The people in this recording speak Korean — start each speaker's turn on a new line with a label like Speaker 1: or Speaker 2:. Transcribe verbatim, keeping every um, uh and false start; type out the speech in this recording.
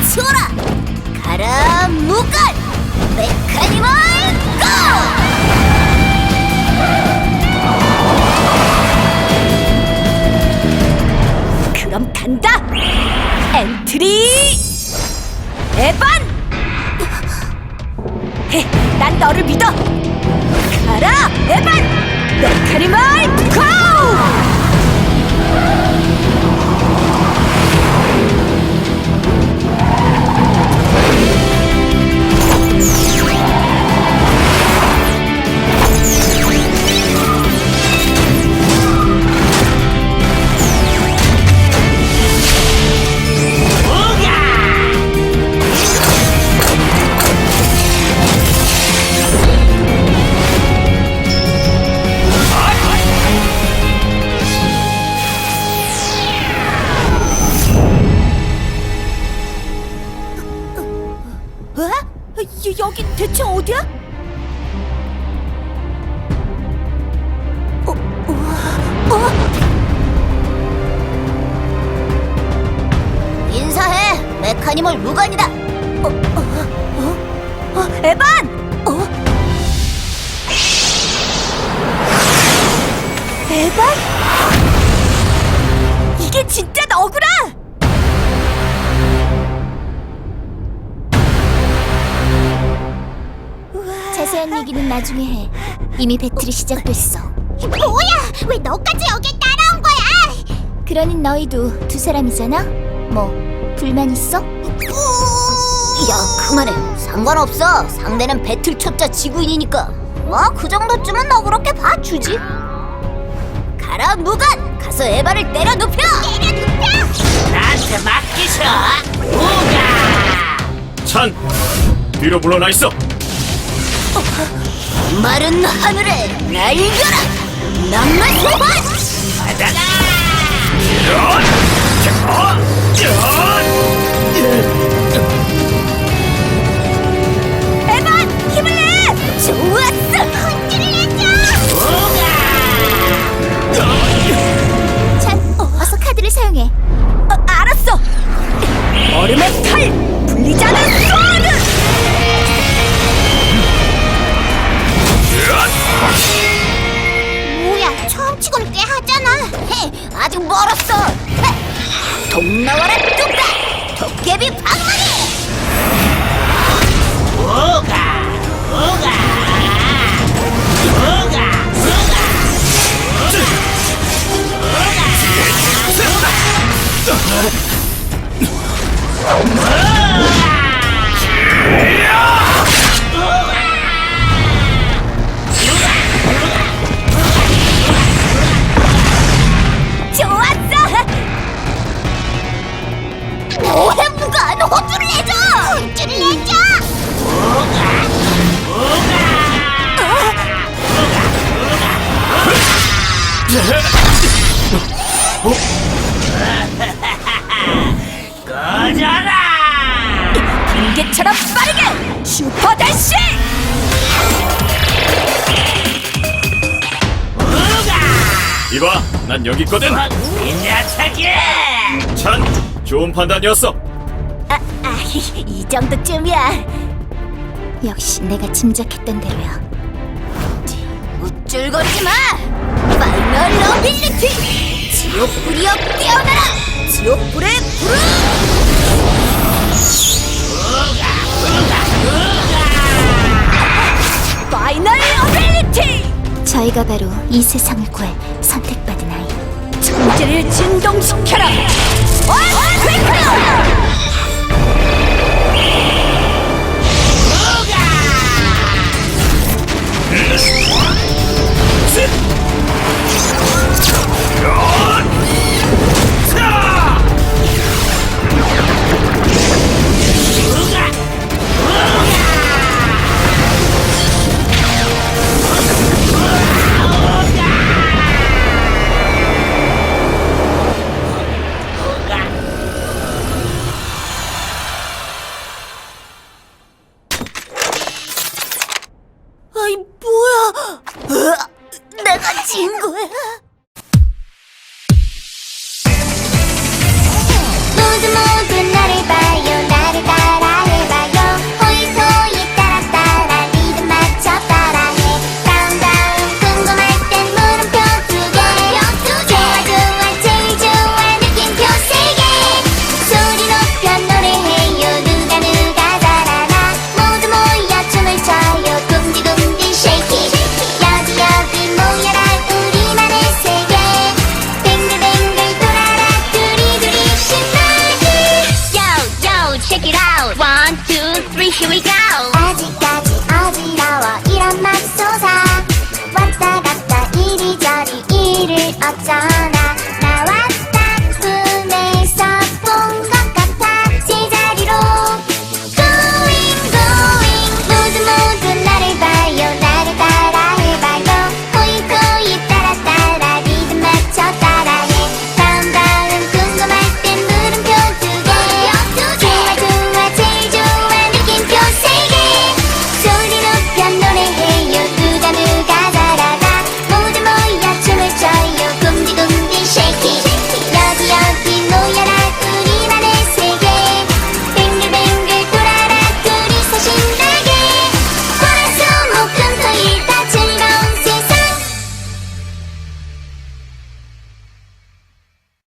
Speaker 1: 치워라! 가라 무간! 메카니멀 고! 그럼 간다! 엔트리! 에반! 헤, 난 너를 믿어! 가라 에반! 메카니멀 고! 여긴 대체 어디야? 어? 어? 어? 인사해! 메카니멀 무간이다! 어? 어? 어? 어? 에반! 어? 에반? 이게 진짜 너구나! 자세한 얘기는 나중에 해. 이미 배틀이 시작됐어.
Speaker 2: 뭐야! 왜 너까지 여길 따라온 거야?
Speaker 1: 그러니 너희도 두 사람이잖아? 뭐 불만 있어? 야 그만해. 상관없어. 상대는 배틀 쳤자 지구인이니까. 뭐 그 정도쯤은 너그럽게 봐주지. 가라 무간! 가서 에바를 때려 눕혀!
Speaker 2: 때려 눕혀!
Speaker 3: 나한테 맡기셔! 우가!
Speaker 4: 찬! 뒤로 물러나 있어!
Speaker 1: 마른 하늘에 날려라! 낭만 소환!
Speaker 3: 받아라!
Speaker 1: 에반! 힘을 내! 좋았어!
Speaker 2: 혼쭐을 내줘!
Speaker 3: 우가!
Speaker 1: 찬, 어서 카드를 사용해. 어, 알았어! 얼음의 칼! 불리지 않은 소드!
Speaker 2: 뭐야, 처음 치곤 꽤 하잖아.
Speaker 1: 헤, 아직 멀었어! 헤, 동 나와라 뚝딱! 도깨비 방망이!
Speaker 3: 우가! 우가! 우가!
Speaker 1: 좋았어! 뭐해 무간! 호주를 내줘!
Speaker 2: 혼쭐을 내줘!
Speaker 3: 꺼져라!
Speaker 1: 번개처럼 빠르게! 슈퍼 대시!
Speaker 4: 이봐, 난 여기 있거든!
Speaker 3: 이 녀석이!
Speaker 4: 찬! 좋은 판단이었어!
Speaker 1: 아, 아, 이 정도쯤이야. 역시 내가 짐작했던 대로야. 우쭐거리지 마! 파이널 어빌리티! 지옥불이여 깨어나라! 지옥불의 불을! 파이널 어빌리티! 저희가 바로 이 세상을 구할 선택받은 아이. 천재를 진동시켜라! 어스페이크!
Speaker 4: 셋!